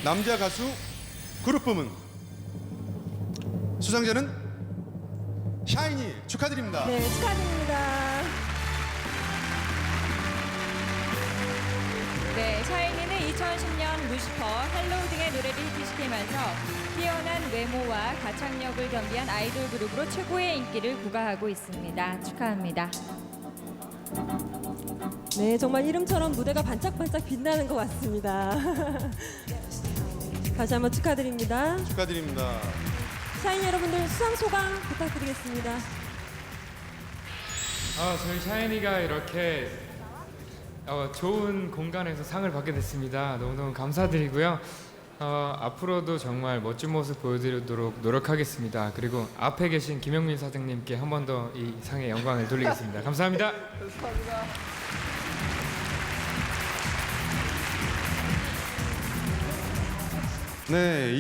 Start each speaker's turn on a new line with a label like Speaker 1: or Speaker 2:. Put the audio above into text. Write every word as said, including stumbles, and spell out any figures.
Speaker 1: 남자 가수 그룹 부문 수상자는 샤이니 축하드립니다.
Speaker 2: 네, 축하드립니다.
Speaker 3: 네, 샤이니는 이천십 년 루시퍼, 헬로우 등의 노래를 히트시키면서 뛰어난 외모와 가창력을 겸비한 아이돌 그룹으로 최고의 인기를 구가하고 있습니다. 축하합니다.
Speaker 2: 네, 정말 이름처럼 무대가 반짝반짝 빛나는 것 같습니다. 다시 한번 축하드립니다.
Speaker 1: 축하드립니다.
Speaker 2: 샤이니 여러분들 수상 소감 부탁드리겠습니다.
Speaker 4: 아, 저희 샤이니가 이렇게 어, 좋은 공간에서 상을 받게 됐습니다. 너무너무 감사드리고요. 어, 앞으로도 정말 멋진 모습 보여드리도록 노력하겠습니다. 그리고 앞에 계신 김영민 사장님께 한 번 더 이 상의 영광을 돌리겠습니다. 감사합니다.
Speaker 5: 감사합니다.
Speaker 1: 네.